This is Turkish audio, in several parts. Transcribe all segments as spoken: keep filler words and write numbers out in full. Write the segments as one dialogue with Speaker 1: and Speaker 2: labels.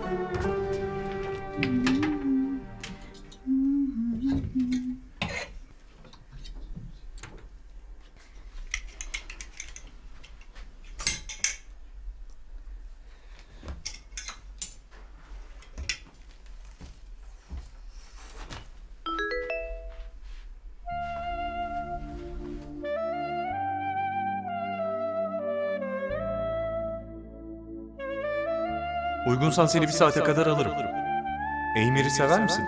Speaker 1: Uygunsan seni bir saate kadar alırım. Eymir'i sever misin?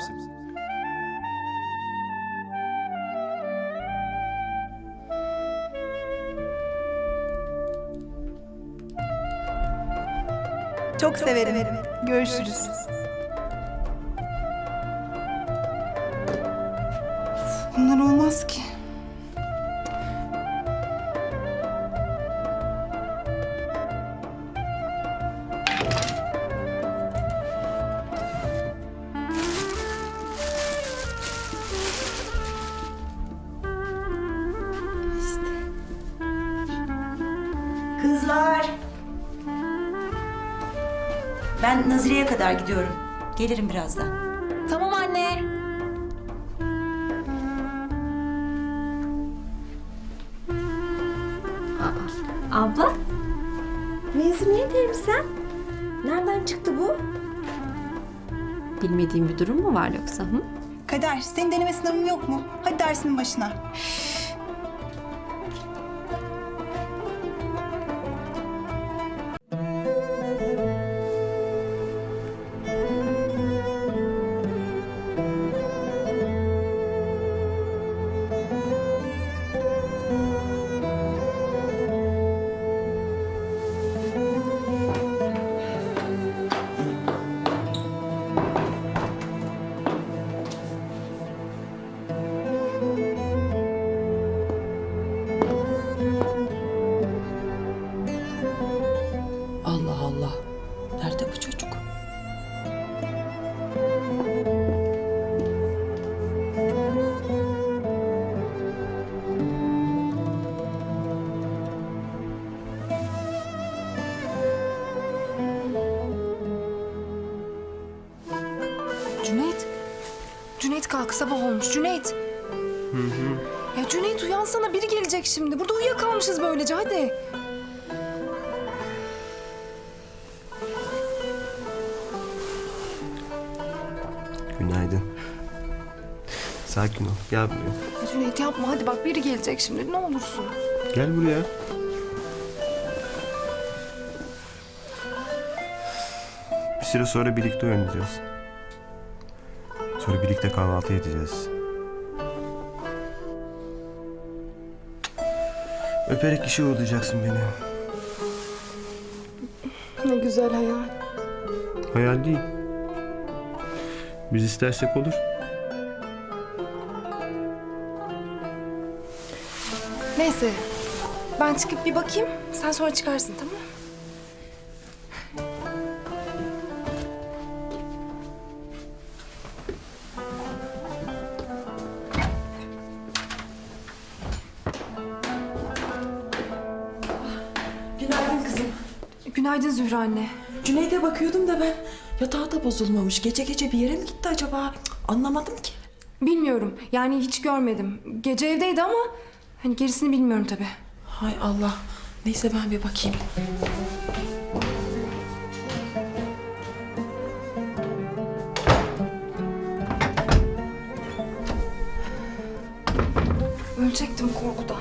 Speaker 2: Çok severim. Görüşürüz. Bunlar olmaz ki.
Speaker 3: Kızlar. Ben Nazire'ye kadar gidiyorum. Gelirim birazdan.
Speaker 4: Tamam anne. Aa, abla? Mezuniyet elbisen? Nereden çıktı bu? Bilmediğim bir durum mu var yoksa? Hı?
Speaker 2: Kader, senin deneme sınavın yok mu? Hadi dersinin başına.
Speaker 5: Allah Allah. Nerede bu çocuk?
Speaker 6: Cüneyt. Cüneyt kalk, sabah olmuş. Cüneyt. Hı hı. Ya Cüneyt uyansana, biri gelecek şimdi. Burada uyuyakalmışız böylece, hadi.
Speaker 7: Günaydın. Sakin ol. Gel buraya.
Speaker 6: Ya Cüneyt yapma, hadi bak biri gelecek şimdi. Ne olursun.
Speaker 7: Gel buraya. Bir süre sonra birlikte oynayacağız. Sonra birlikte kahvaltı edeceğiz. Öperek işe uğurlayacaksın beni.
Speaker 6: Ne güzel hayal.
Speaker 7: Hayal değil. Biz istersek olur.
Speaker 6: Neyse. Ben çıkıp bir bakayım. Sen sonra çıkarsın, tamam mı?
Speaker 5: Günaydın kızım.
Speaker 6: Günaydın Zühre anne.
Speaker 5: Cüneyt'e bakıyordum da ben. Yatağı da bozulmamış. Gece gece bir yere mi gitti acaba? Cık, anlamadım ki.
Speaker 6: Bilmiyorum. Yani hiç görmedim. Gece evdeydi ama hani gerisini bilmiyorum tabii.
Speaker 5: Hay Allah. Neyse ben bir bakayım.
Speaker 6: Ölecektim korkudan.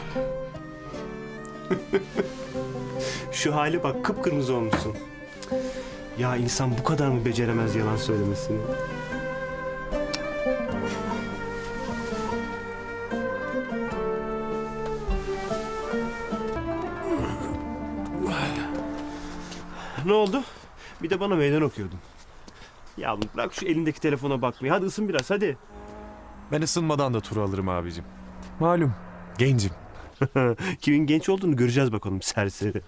Speaker 7: Şu hale bak, kıpkırmızı olmuşsun. Ya insan bu kadar mı beceremez yalan söylemesini? Ne oldu? Bir de bana meydan okuyordun. Ya bırak şu elindeki telefona bakmayı. Hadi ısın biraz, hadi.
Speaker 1: Ben ısınmadan da turu alırım abicim. Malum, gencim.
Speaker 7: Kimin genç olduğunu göreceğiz bakalım, serseri.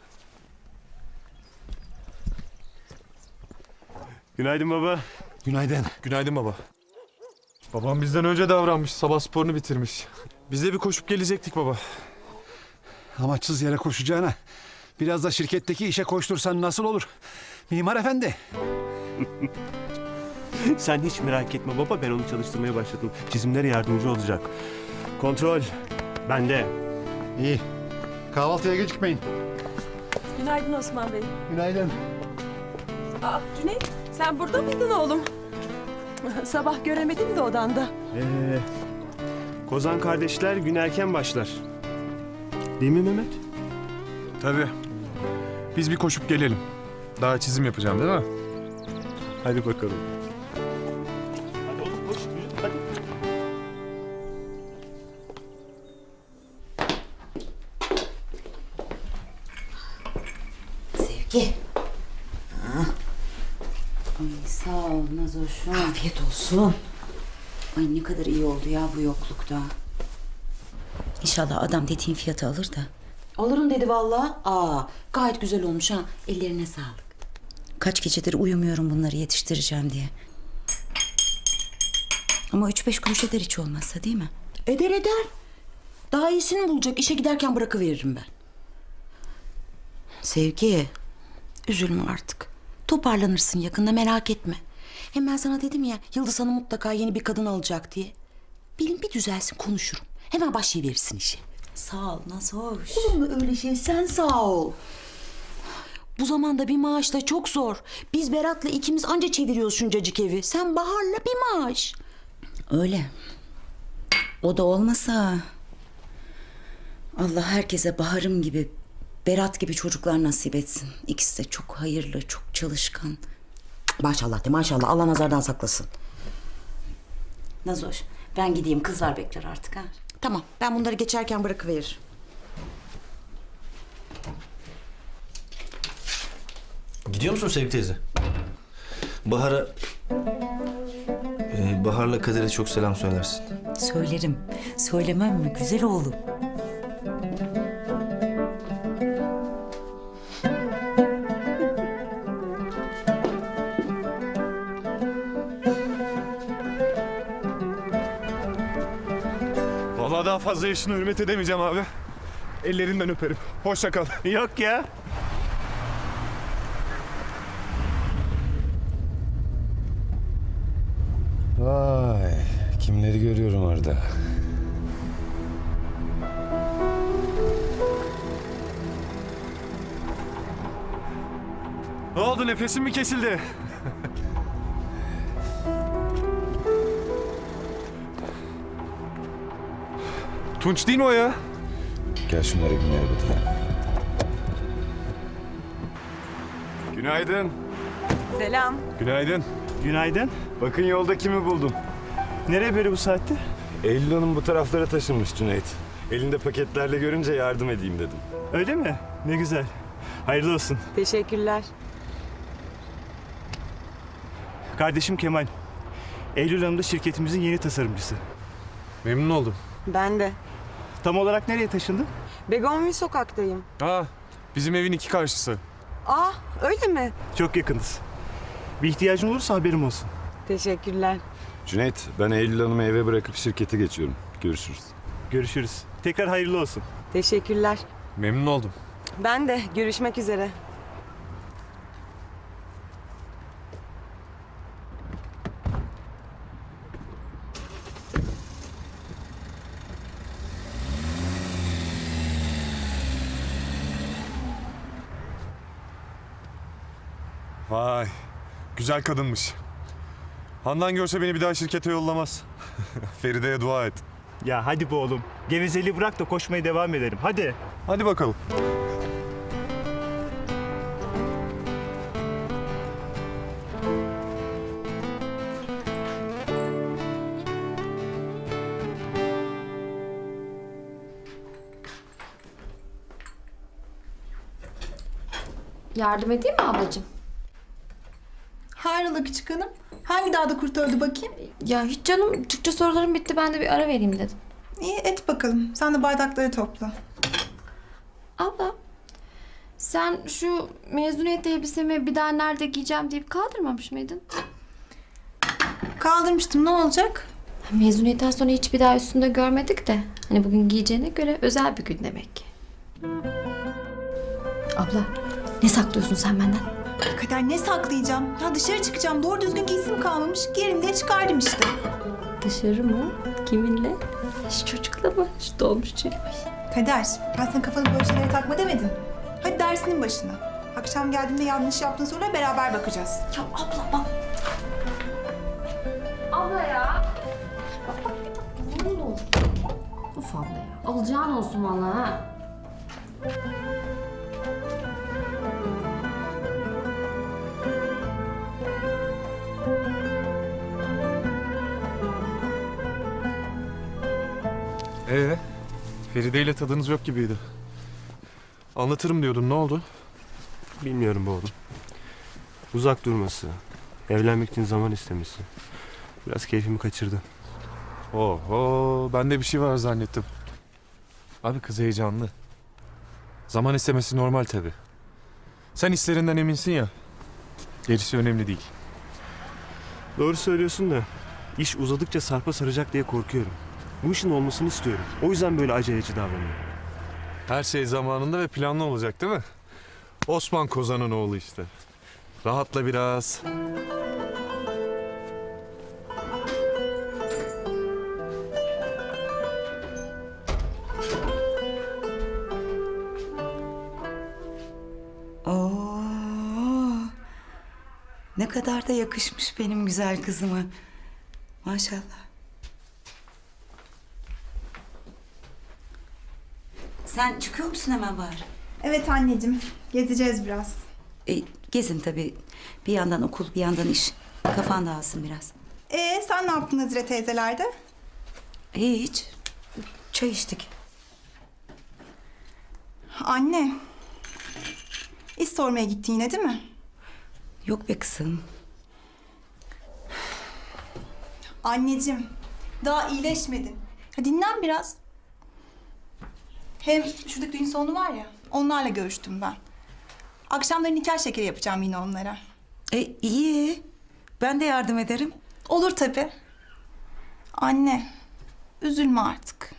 Speaker 7: Günaydın baba.
Speaker 8: Günaydın.
Speaker 1: Günaydın baba. Babam bizden önce davranmış, sabah sporunu bitirmiş. Biz de bir koşup gelecektik baba.
Speaker 8: Amaçsız yere koşacağına biraz da şirketteki işe koştursan nasıl olur? Mimar efendi.
Speaker 7: Sen hiç merak etme baba, ben onu çalıştırmaya başladım. Çizimlere yardımcı olacak. Kontrol bende.
Speaker 8: İyi. Kahvaltıya gecikmeyin.
Speaker 5: Günaydın Osman Bey.
Speaker 8: Günaydın.
Speaker 5: Aa, Cüneyt sen burada mıydın oğlum? Sabah göremedim de odanda.
Speaker 7: Ee, Kozan kardeşler gün erken başlar. Değil mi Mehmet?
Speaker 1: Tabii. Biz bir koşup gelelim. Daha çizim yapacağım değil mi?
Speaker 7: Hadi bakalım. Hadi oğlum koş, yürü, hadi.
Speaker 9: Sevgi. Ha. Ay sağ ol Nazoş'um. Afiyet olsun. Ay ne kadar iyi oldu ya bu yoklukta. İnşallah adam dediğin fiyatı alır da. Alırım dedi vallahi. Aa, gayet güzel olmuş ha. Ellerine sağlık. Kaç gecedir uyumuyorum bunları yetiştireceğim diye. Ama üç beş kuruş eder hiç olmazsa değil mi? Eder eder. Daha iyisini bulacak. İşe giderken bırakıveririm ben. Sevgi, üzülme artık. Toparlanırsın yakında, merak etme. Hem ben sana dedim ya, Yıldız Hanım mutlaka yeni bir kadın alacak diye. Bilin bir düzelsin, konuşurum. Hemen başlayıverirsin işe. Sağ ol, nasıl hoş. Olur mu öyle şey? Sen sağ ol. Bu zamanda bir maaşla çok zor. Biz Berat'la ikimiz anca çeviriyoruz şuncacık evi. Sen Bahar'la bir maaş. Öyle. O da olmasa... Allah herkese Bahar'ım gibi, Berat gibi çocuklar nasip etsin. İkisi de çok hayırlı, çok çalışkan. Maşallah de maşallah. Allah nazardan saklasın. Nazoş, ben gideyim. Kızlar bekler artık ha. Tamam, ben bunları geçerken bırakıveririm.
Speaker 10: Gidiyor musun Sevgi teyze? Bahar'a... Ee, Bahar'la Kader'e çok selam söylersin.
Speaker 9: Söylerim. Söylemem mi güzel oğlum?
Speaker 1: Vallahi daha fazla yaşına hürmet edemeyeceğim abi. Ellerinden öperim. Hoşça kal.
Speaker 7: Yok ya.
Speaker 11: Vay, kimleri görüyorum orada.
Speaker 1: Ne oldu, nefesim mi kesildi? Tunç değil mi o ya?
Speaker 11: Gel şunları bir merhaba.
Speaker 1: Günaydın.
Speaker 5: Selam.
Speaker 1: Günaydın.
Speaker 7: Günaydın.
Speaker 11: Bakın yolda kimi buldum.
Speaker 7: Nereye böyle bu saatte?
Speaker 11: Eylül Hanım bu taraflara taşınmış Cüneyt. Elinde paketlerle görünce yardım edeyim dedim.
Speaker 7: Öyle mi? Ne güzel. Hayırlı olsun.
Speaker 5: Teşekkürler.
Speaker 7: Kardeşim Kemal. Eylül Hanım da şirketimizin yeni tasarımcısı.
Speaker 1: Memnun oldum.
Speaker 5: Ben de.
Speaker 7: Tam olarak nereye taşındın?
Speaker 5: Begonvil sokaktayım.
Speaker 1: Ha, bizim evin iki karşısı.
Speaker 5: Aa, öyle mi?
Speaker 7: Çok yakınız. Bir ihtiyacın olursa haberim olsun.
Speaker 5: Teşekkürler.
Speaker 11: Cüneyt, ben Eylül Hanım'ı eve bırakıp şirkete geçiyorum. Görüşürüz.
Speaker 7: Görüşürüz. Tekrar hayırlı olsun.
Speaker 5: Teşekkürler.
Speaker 1: Memnun oldum.
Speaker 5: Ben de. Görüşmek üzere.
Speaker 1: Vay, güzel kadınmış. Handan görse beni bir daha şirkete yollamaz. Feride'ye dua et.
Speaker 7: Ya hadi be oğlum. Gevezeliği bırak da koşmaya devam edelim. Hadi.
Speaker 1: Hadi bakalım.
Speaker 4: Yardım edeyim mi ablacığım?
Speaker 2: Hayrola küçük hanım? Hangi dağda kurt öldü bakayım?
Speaker 4: Ya hiç canım, Türkçe sorularım bitti, ben de bir ara vereyim dedim.
Speaker 2: İyi et bakalım. Sen de bardakları topla.
Speaker 4: Abla, sen şu mezuniyet elbisemi bir daha nerede giyeceğim deyip kaldırmamış mıydın?
Speaker 2: Kaldırmıştım, ne olacak?
Speaker 4: Mezuniyetten sonra hiç bir daha üstünde görmedik de. Hani bugün giyeceğine göre özel bir gün demek ki. Abla, ne saklıyorsun sen benden?
Speaker 2: Kader ne saklayacağım? Ya dışarı çıkacağım. Doğru düzgün giysim kalmamış. Giyerim diye çıkardım işte.
Speaker 3: Dışarı mı? Kiminle? Şu çocukla mı? Şu dolmuşçuyla mı?
Speaker 2: Kader, ben sana kafanı böyle şeylere takma demedim. Hadi dersinin başına. Akşam geldiğinde yanlış yaptığın sorulara beraber bakacağız.
Speaker 3: Ya abla bak.
Speaker 4: Abla ya. Ne olur. Uf abla ya. Alacağın olsun vallahi ha.
Speaker 1: Ee, Feride ile tadınız yok gibiydi. Anlatırım diyordun, ne oldu?
Speaker 7: Bilmiyorum bu oğlum. Uzak durması, evlenmek için zaman istemesi. Biraz keyfimi kaçırdı.
Speaker 1: Oho, ben de bir şey var zannettim. Abi kız heyecanlı. Zaman istemesi normal tabii. Sen hislerinden eminsin ya. Gerisi önemli değil.
Speaker 7: Doğru söylüyorsun da iş uzadıkça sarpa saracak diye korkuyorum. Bu işin olmasını istiyorum. O yüzden böyle aceleci davranıyorum.
Speaker 1: Her şey zamanında ve planlı olacak değil mi? Osman Kozan'ın oğlu işte. Rahatla biraz.
Speaker 9: Oo, ne kadar da yakışmış benim güzel kızıma. Maşallah. Sen çıkıyor musun hemen bari?
Speaker 2: Evet anneciğim, gezeceğiz biraz.
Speaker 9: E, gezin tabii. Bir yandan okul, bir yandan iş. Kafan dağılsın biraz.
Speaker 2: Ee, sen ne yaptın Nazire teyzelerde?
Speaker 9: Hiç. Çay içtik.
Speaker 2: Anne, iş sormaya gittin yine değil mi?
Speaker 9: Yok be kızım.
Speaker 2: Anneciğim, daha iyileşmedin. Ha, dinlen biraz. Hem şuradaki düğün salonu var ya, onlarla görüştüm ben. Akşamları nikah şekeri yapacağım yine onlara.
Speaker 9: E, iyi. Ben de yardım ederim.
Speaker 2: Olur tabii. Anne, üzülme artık.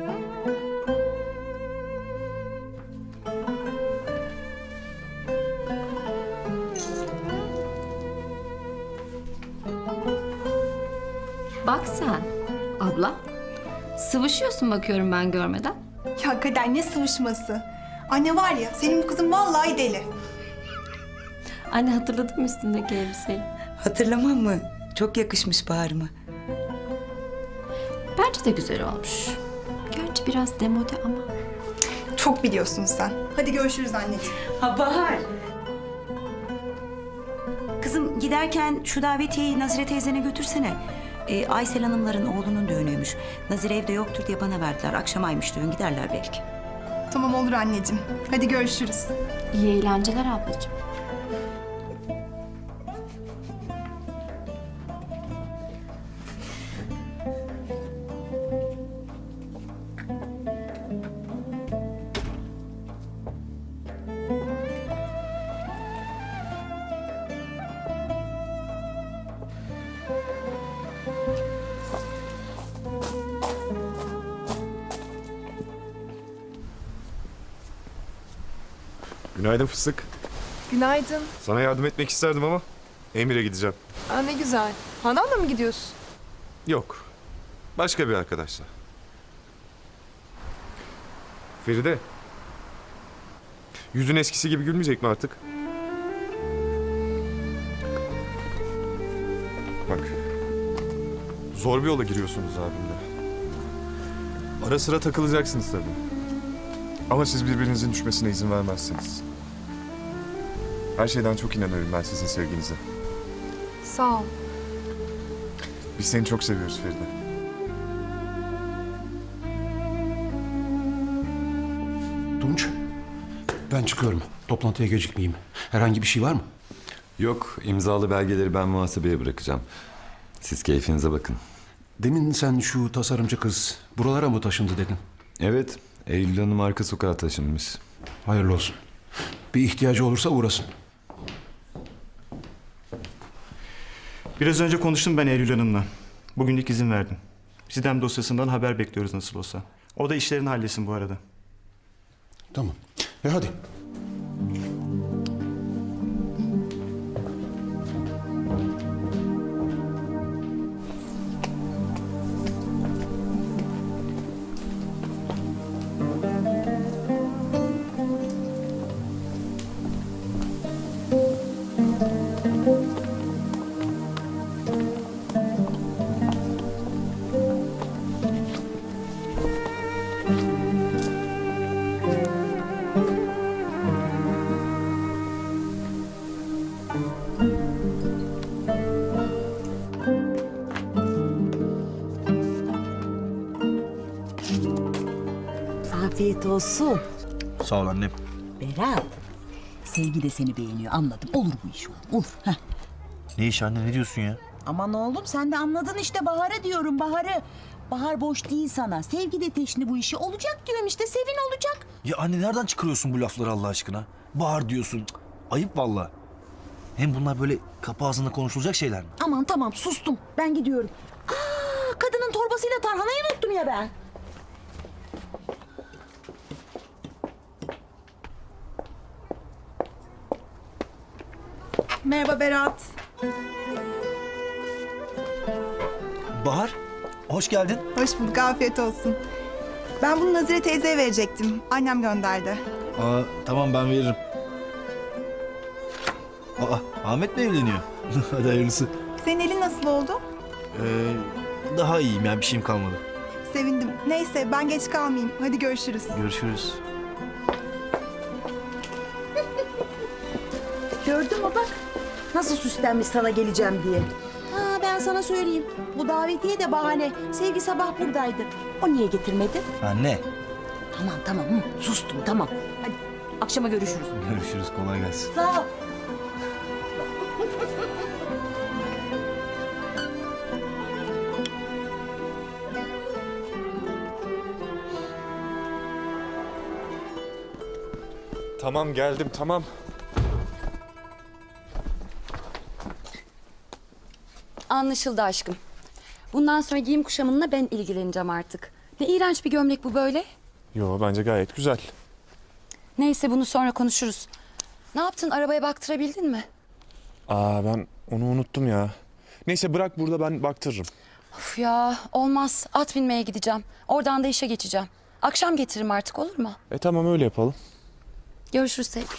Speaker 4: Bak sen. Abla. Sıvışıyorsun bakıyorum ben görmeden.
Speaker 2: Ya Kader ne sıvışması. Anne var ya, senin bu kızın vallahi deli.
Speaker 3: Anne hatırladın mı üstündeki elbiseyi?
Speaker 9: Hatırlamam mı? Çok yakışmış Bahar'ıma.
Speaker 4: Bence de güzel olmuş. Gerçi biraz demode ama.
Speaker 2: Çok biliyorsun sen. Hadi görüşürüz anneciğim.
Speaker 9: Ha Bahar. Kızım giderken şu davetiyeyi Nazire teyzene götürsene. Ee, Aysel Hanımların oğlunun düğünüymüş. Nazire evde yoktur diye bana verdiler. Akşamaymış düğün, giderler belki.
Speaker 2: Tamam olur anneciğim. Hadi görüşürüz.
Speaker 4: İyi eğlenceler ablacığım.
Speaker 1: Günaydın fıstık.
Speaker 6: Günaydın.
Speaker 1: Sana yardım etmek isterdim ama Emir'e gideceğim.
Speaker 6: Aa, ne güzel. Hanan'la mı gidiyorsun?
Speaker 1: Yok. Başka bir arkadaşla. Feride. Yüzün eskisi gibi gülmeyecek mi artık? Bak. Zor bir yola giriyorsunuz abimle. Ara sıra takılacaksınız tabii. Ama siz birbirinizin düşmesine izin vermezsiniz. Her şeyden çok inanıyorum ben sizin sevginize.
Speaker 6: Sağ ol.
Speaker 1: Biz seni çok seviyoruz Feride.
Speaker 12: Tunç, ben çıkıyorum. Toplantıya gecikmeyeyim. Herhangi bir şey var mı?
Speaker 13: Yok, imzalı belgeleri ben muhasebeye bırakacağım. Siz keyfinize bakın.
Speaker 12: Demin sen şu tasarımcı kız buralara mı taşındı dedin?
Speaker 13: Evet, Eylül Hanım arka sokağa taşınmış.
Speaker 12: Hayırlı olsun. Bir ihtiyacı olursa uğrasın.
Speaker 7: Biraz önce konuştum ben Eylül Hanım'la. Bugünlük izin verdim. Sidem dosyasından haber bekliyoruz nasıl olsa. O da işlerini halletsin bu arada.
Speaker 12: Tamam. E hadi.
Speaker 9: Afiyet olsun.
Speaker 10: Sağ ol annem.
Speaker 9: Berat, Sevgi de seni beğeniyor anladım. Olur bu iş oğlum, olur. Heh.
Speaker 10: Ne iş anne, ne diyorsun ya?
Speaker 9: Aman oğlum sen de anladın işte Bahar'ı diyorum Bahar'ı. Bahar boş değil sana. Sevgi de teşni bu işi. Olacak diyorum işte, Sevin olacak.
Speaker 10: Ya anne nereden çıkarıyorsun bu lafları Allah aşkına? Bahar diyorsun. Cık, ayıp valla. Hem bunlar böyle kapı ağzında konuşulacak şeyler mi?
Speaker 9: Aman tamam sustum, ben gidiyorum. Aa, kadının torbasıyla tarhanayı unuttum ya ben.
Speaker 2: Merhaba Berat.
Speaker 10: Bahar, hoş geldin.
Speaker 2: Hoş bulduk, afiyet olsun. Ben bunu Nazire teyzeye verecektim. Annem gönderdi.
Speaker 10: Aa, tamam ben veririm. Aa, Ahmet mi evleniyor? Hadi hayırlısı.
Speaker 2: Senin elin nasıl oldu?
Speaker 10: Ee, daha iyiyim yani, bir şeyim kalmadı.
Speaker 2: Sevindim. Neyse ben geç kalmayayım. Hadi görüşürüz.
Speaker 10: Görüşürüz.
Speaker 9: Gördün mü bak, nasıl süslenmiş sana geleceğim diye. Ha ben sana söyleyeyim, bu davetiye de bahane. Sevgi sabah buradaydı. O niye getirmedi?
Speaker 10: Anne.
Speaker 9: Tamam tamam, hı, sustum tamam. Hadi akşama görüşürüz.
Speaker 10: Görüşürüz, kolay gelsin.
Speaker 9: Sağ ol.
Speaker 1: Tamam geldim tamam.
Speaker 3: Anlaşıldı aşkım. Bundan sonra giyim kuşamınla ben ilgileneceğim artık. Ne iğrenç bir gömlek bu böyle.
Speaker 1: Yo bence gayet güzel.
Speaker 3: Neyse bunu sonra konuşuruz. Ne yaptın, arabaya baktırabildin mi?
Speaker 1: Aa ben onu unuttum ya. Neyse bırak burada, ben baktırırım.
Speaker 3: Of ya, olmaz. At binmeye gideceğim. Oradan da işe geçeceğim. Akşam getiririm artık, olur mu?
Speaker 1: E tamam öyle yapalım.
Speaker 3: Görüşürüz sevgilim.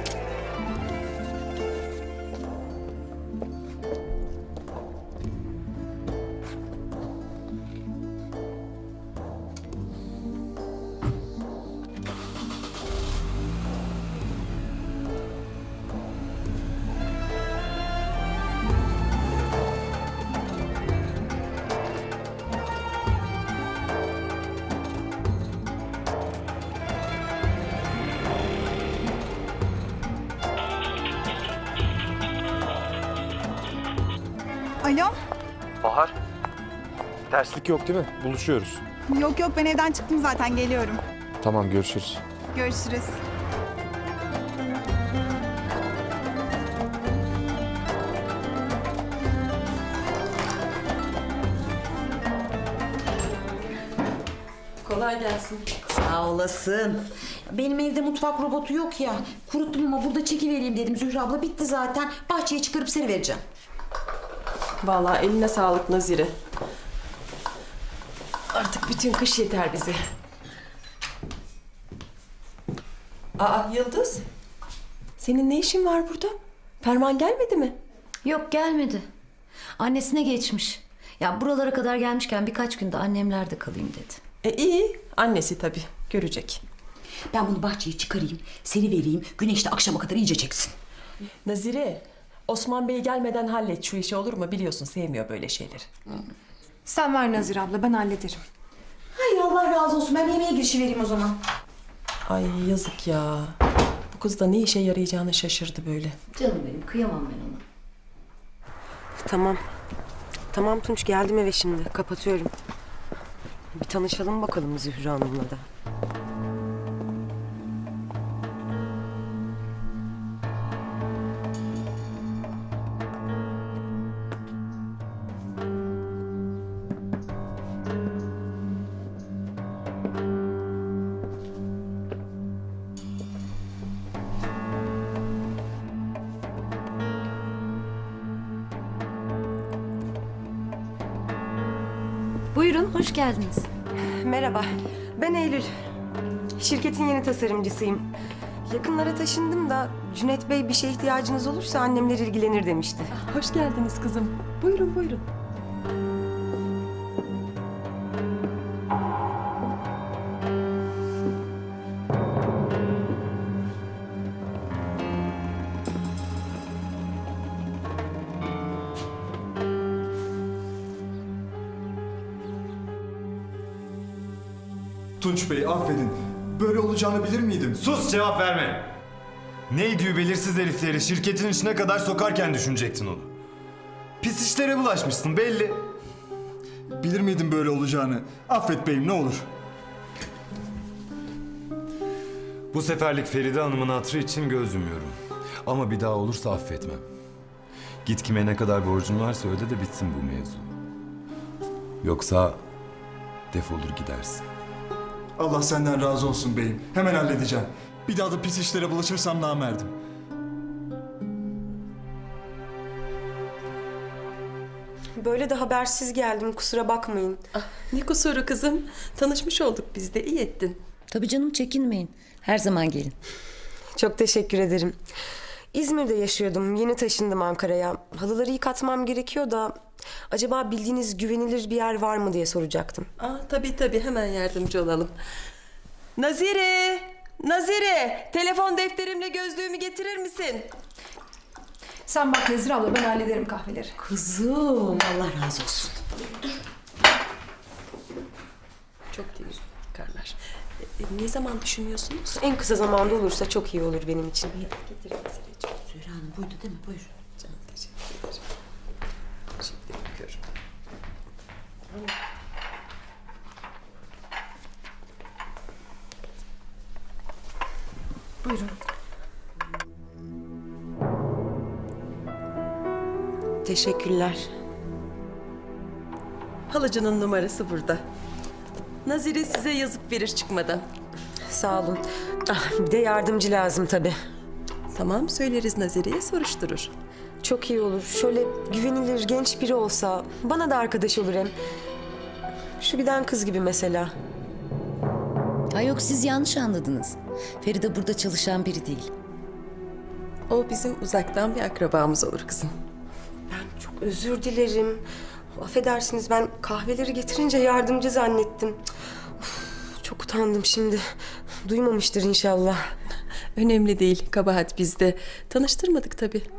Speaker 2: Alo?
Speaker 1: Bahar. Terslik yok değil mi? Buluşuyoruz.
Speaker 2: Yok yok ben evden çıktım zaten, geliyorum.
Speaker 1: Tamam görüşürüz.
Speaker 2: Görüşürüz.
Speaker 5: Kolay gelsin.
Speaker 9: Sağ olasın. Benim evde mutfak robotu yok ya. Kuruttum ama burada çekivereyim dedim Zühre abla. Bitti zaten. Bahçeye çıkarıp serivereceğim.
Speaker 5: Vallahi eline sağlık Nazire. Artık bütün kış yeter bize. Aa Yıldız. Senin ne işin var burada? Ferman gelmedi mi?
Speaker 14: Yok gelmedi. Annesine geçmiş. Ya buralara kadar gelmişken birkaç günde annemlerde kalayım dedi.
Speaker 5: E iyi. Annesi tabii. Görecek.
Speaker 9: Ben bunu bahçeye çıkarayım, serivereyim. Güneş de akşama kadar iyice çeksin.
Speaker 5: Nazire, Osman Bey gelmeden hallet şu işi, olur mu? Biliyorsun sevmiyor böyle şeyleri.
Speaker 6: Sen ver Nazire abla, ben hallederim.
Speaker 9: Hay Allah razı olsun. Ben yemeğe girişivereyim o zaman.
Speaker 5: Ay yazık ya. Bu kız da ne işe yarayacağını şaşırdı böyle.
Speaker 14: Canım benim, kıyamam ben ona.
Speaker 15: Tamam. Tamam Tunç, geldim eve şimdi. Kapatıyorum. Bir tanışalım bakalım Zühre Hanım'la da.
Speaker 14: Buyurun, hoş geldiniz.
Speaker 15: Merhaba, ben Eylül. Şirketin yeni tasarımcısıyım. Yakınlara taşındım da Cüneyt Bey bir şeye ihtiyacınız olursa annemler ilgilenir demişti.
Speaker 5: Hoş geldiniz kızım. Buyurun buyurun.
Speaker 1: Tunç Bey affedin.
Speaker 16: böyle olacağını bilir miydim?
Speaker 11: Sus, cevap verme. Neydi belirsiz herifleri şirketin içine kadar sokarken düşünecektin onu. Pis işlere bulaşmışsın belli.
Speaker 16: Bilir miydim böyle olacağını? Affet beyim ne olur.
Speaker 13: Bu seferlik Feride Hanım'ın hatırı için göz yumuyorum. Ama bir daha olursa affetmem. Git kime ne kadar borcun varsa öde de bitsin bu mevzu. Yoksa defolur gidersin.
Speaker 16: Allah senden razı olsun beyim. Hemen halledeceğim. Bir daha da pis işlere bulaşırsam namerdim.
Speaker 15: Böyle de habersiz geldim, kusura bakmayın.
Speaker 5: Ne kusuru kızım. Tanışmış olduk biz de, iyi ettin.
Speaker 14: Tabii canım, çekinmeyin. Her zaman gelin.
Speaker 15: Çok teşekkür ederim. İzmir'de yaşıyordum, yeni taşındım Ankara'ya. Halıları yıkatmam gerekiyor da... acaba bildiğiniz güvenilir bir yer var mı diye soracaktım.
Speaker 5: Aa, tabii tabii, hemen yardımcı olalım. Nazire! Nazire! Telefon defterimle gözlüğümü getirir misin?
Speaker 6: Sen bak Nezire abla, ben hallederim kahveleri.
Speaker 9: Kızım Allah razı olsun.
Speaker 5: Çok temiz yıkarlar. E, ne zaman düşünüyorsunuz?
Speaker 15: En kısa zamanda olursa çok iyi olur benim için.
Speaker 5: Getirin Nazireciğim.
Speaker 9: Zühre Hanım buydu değil mi? Buyur.
Speaker 5: Canım teşekkür ederim. Şimdi yıkıyorum.
Speaker 6: Buyurun.
Speaker 15: Teşekkürler.
Speaker 5: Halıcının numarası burada. Nazire size yazıp verir çıkmadan.
Speaker 15: Sağ olun. Ah, bir de yardımcı lazım tabii.
Speaker 5: Tamam, söyleriz Nazire'ye, soruşturur.
Speaker 15: Çok iyi olur. Şöyle güvenilir genç biri olsa bana da arkadaş olur hem. Şu giden kız gibi mesela.
Speaker 14: Ha yok, siz yanlış anladınız. Feride burada çalışan biri değil.
Speaker 5: O bizim uzaktan bir akrabamız olur kızım.
Speaker 15: Ben çok özür dilerim. Affedersiniz, ben kahveleri getirince yardımcı zannettim. Of, çok utandım şimdi. Duymamıştır inşallah.
Speaker 5: Önemli değil, kabahat bizde. Tanıştırmadık tabii.